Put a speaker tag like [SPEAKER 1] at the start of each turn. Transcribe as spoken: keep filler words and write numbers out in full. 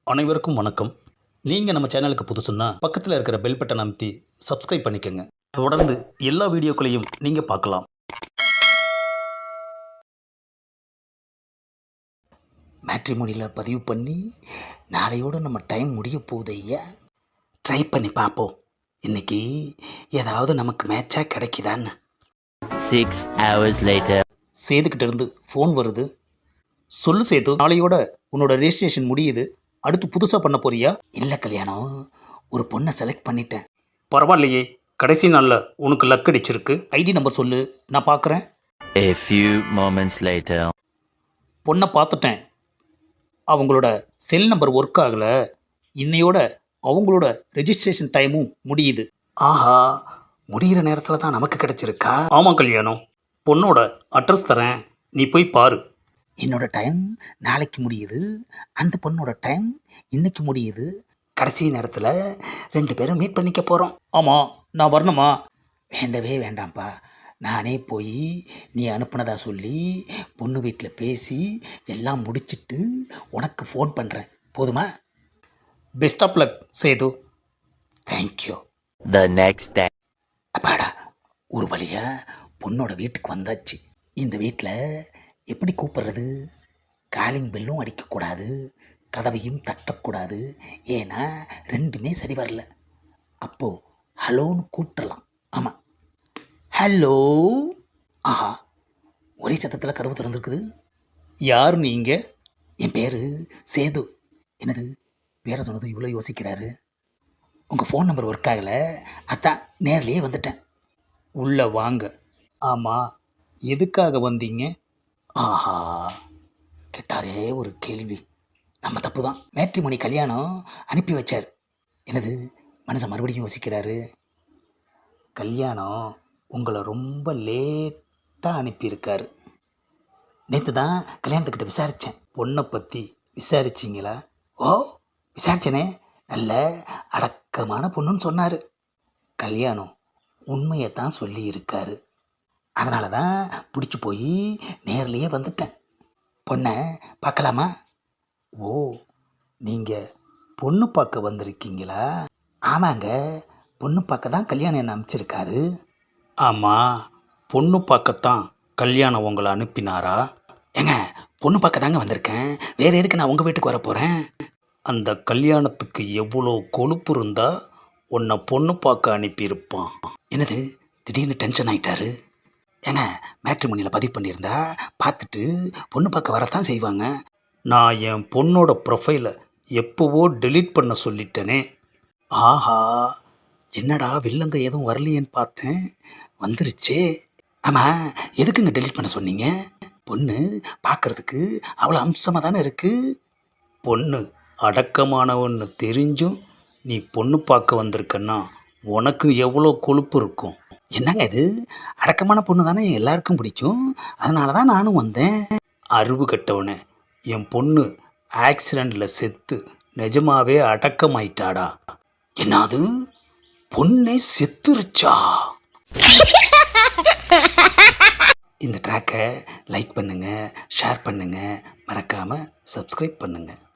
[SPEAKER 1] அனைவருக்கும் வணக்கம். நீங்கள் நம்ம சேனலுக்கு புதுசுன்னா பக்கத்தில் இருக்கிற பெல் பட்டன் அமைத்தி சப்ஸ்கிரைப் பண்ணிக்கோங்க. தொடர்ந்து எல்லா வீடியோக்களையும் நீங்கள் பார்க்கலாம்.
[SPEAKER 2] மேட்ரிமோனியில் பதிவு பண்ணி நாளையோடு நம்ம டைம் முடிய போகுது ஐயா. ட்ரை பண்ணி பார்ப்போம். இன்னைக்கு ஏதாவது நமக்கு மேட்சாக கிடைக்குதான்னு.
[SPEAKER 3] Six hours later.
[SPEAKER 2] சேதுக்கிட்ட இருந்து ஃபோன் வருது. சொல்லு சேது, நாளையோட உன்னோட ரெஜிஸ்ட்ரேஷன் முடியுது. அடுத்து புதுசாக பண்ண போறியா? இல்லை கல்யாணம், ஒரு பொண்ணை செலக்ட் பண்ணிட்டேன்.
[SPEAKER 1] பரவாயில்லையே, கடைசி நாளில் உனக்கு லக் அடிச்சிருக்கு.
[SPEAKER 2] ஐடி நம்பர் சொல்லு, நான் பார்க்குறேன்.
[SPEAKER 3] A few moments later.
[SPEAKER 2] பொண்ணை பார்த்துட்டேன். அவங்களோட செல் நம்பர் ஒர்க் ஆகலை. இன்னையோட அவங்களோட ரெஜிஸ்ட்ரேஷன் டைமும் முடியுது.
[SPEAKER 1] ஆஹா, முடிகிற நேரத்தில் தான் நமக்கு கிடைச்சிருக்கா? ஆமாம் கல்யாணம், பொண்ணோட அட்ரஸ் தரேன், நீ போய் பாரு.
[SPEAKER 2] என்னோட டைம் நாளைக்கு முடியுது, அந்த பொண்ணோட டைம் இன்னைக்கு முடியுது. கடைசி நேரத்தில் ரெண்டு பேரும் மீட் பண்ணிக்க போகிறோம்.
[SPEAKER 1] ஆமாம், நான் வரணுமா?
[SPEAKER 2] வேண்டவே வேண்டாம்ப்பா, நானே போய் நீ அனுப்புனதா சொல்லி பொண்ணு வீட்டில் பேசி எல்லாம் முடிச்சிட்டு உனக்கு ஃபோன் பண்ணுறேன். போதுமா?
[SPEAKER 1] Best of luck Sethu.
[SPEAKER 2] Thank you.
[SPEAKER 3] The next day.
[SPEAKER 2] அப்பாடா, ஒரு வழியாக பொண்ணோட வீட்டுக்கு வந்தாச்சு. இந்த வீட்டில் எப்படி கூப்பிட்றது? காலிங் பெல்லும் அடிக்கக்கூடாது, கதவையும் தட்டக்கூடாது. ஏன்னா ரெண்டுமே சரி வரல. அப்போது ஹலோன்னு கூப்பிட்டுலாம். ஆமாம், ஹலோ. ஆஹா, ஒரே சத்தத்தில் கதவு திறந்துருக்குது.
[SPEAKER 1] யார் நீங்கள்?
[SPEAKER 2] என் பேர் சேது. என்னது பேரை சொன்னது இவ்வளோ யோசிக்கிறாரு? உங்கள் ஃபோன் நம்பர் ஒர்க் ஆகலை, அதான் நேர்லேயே வந்துட்டேன்.
[SPEAKER 1] உள்ளே வாங்க. ஆமாம், எதுக்காக வந்தீங்க?
[SPEAKER 2] ஆஹா, கேட்டாரே ஒரு கேள்வி. நம்ம தப்பு தான். மேட்ரிமோனி கல்யாணம் அனுப்பி வச்சார். என்னது மனுஷன் மறுபடியும் யோசிக்கிறாரு?
[SPEAKER 1] கல்யாணம் உங்களை ரொம்ப லேட்டாக அனுப்பியிருக்காரு.
[SPEAKER 2] நேற்று தான் கல்யாணத்துக்கிட்ட விசாரித்தேன்.
[SPEAKER 1] பொண்ணை பற்றி விசாரிச்சிங்களா?
[SPEAKER 2] ஓ, விசாரிச்சேனே. நல்ல அடக்கமான பொண்ணுன்னு சொன்னார்.
[SPEAKER 1] கல்யாணம் உண்மையை தான் சொல்லி இருக்காரு.
[SPEAKER 2] அதனால தான் பிடிச்சி போய் நேர்லேயே வந்துட்டேன். பொண்ணை பார்க்கலாமா?
[SPEAKER 1] ஓ, நீங்கள் பொண்ணு பார்க்க வந்திருக்கீங்களா?
[SPEAKER 2] ஆமாங்க, பொண்ணு பார்க்க தான் கல்யாணம் என்ன அனுப்பிச்சிருக்காரு.
[SPEAKER 1] ஆமாம், பொண்ணு பார்க்கத்தான் கல்யாணம் உங்களை அனுப்பினாரா?
[SPEAKER 2] ஏங்க, பொண்ணு பார்க்க தாங்க வந்திருக்கேன். வேறு எதுக்கு நான் உங்கள் வீட்டுக்கு வர போகிறேன்?
[SPEAKER 1] அந்த கல்யாணத்துக்கு எவ்வளோ கொழுப்பு இருந்தால் உன்னை பொண்ணு பார்க்க அனுப்பியிருப்பான்.
[SPEAKER 2] என்னது திடீர்னு டென்ஷன் ஆகிட்டாரு? ஏங்க, மேட்ரிமோனியில் பதிவு பண்ணியிருந்தா பார்த்துட்டு பொண்ணு பார்க்க வரத்தான் செய்வாங்க.
[SPEAKER 1] நான் என் பொண்ணோட ப்ரொஃபைலை எப்போவோ டெலீட் பண்ண சொல்லிட்டேனே.
[SPEAKER 2] ஆஹா, என்னடா வில்லங்க எதுவும் வரலையேன்னு பார்த்தேன், வந்துருச்சே. ஆமாம், எதுக்குங்க டெலீட் பண்ண சொன்னீங்க? பொண்ணு பார்க்குறதுக்கு அவ்வளோ அம்சமாக தானே இருக்குது.
[SPEAKER 1] பொண்ணு அடக்கமானவன்னு தெரிஞ்சும் நீ பொண்ணு பார்க்க வந்திருக்கன்னா உனக்கு எவ்வளோ கொழுப்பு இருக்கும்.
[SPEAKER 2] என்னங்க இது, அடக்கமான பொண்ணு தானே எல்லாருக்கும் பிடிக்கும், அதனால தான் நானும் வந்தேன்.
[SPEAKER 1] அறிவு கட்டவனே, என் பொண்ணு ஆக்சிடெண்ட்டில் செத்து நிஜமாவே அடக்கமாயிட்டாடா.
[SPEAKER 2] என்னது, பொண்ணே செத்துருச்சா? இந்த ட்ராக்கை லைக் பண்ணுங்கள், ஷேர் பண்ணுங்கள், மறக்காமல் சப்ஸ்கிரைப் பண்ணுங்கள்.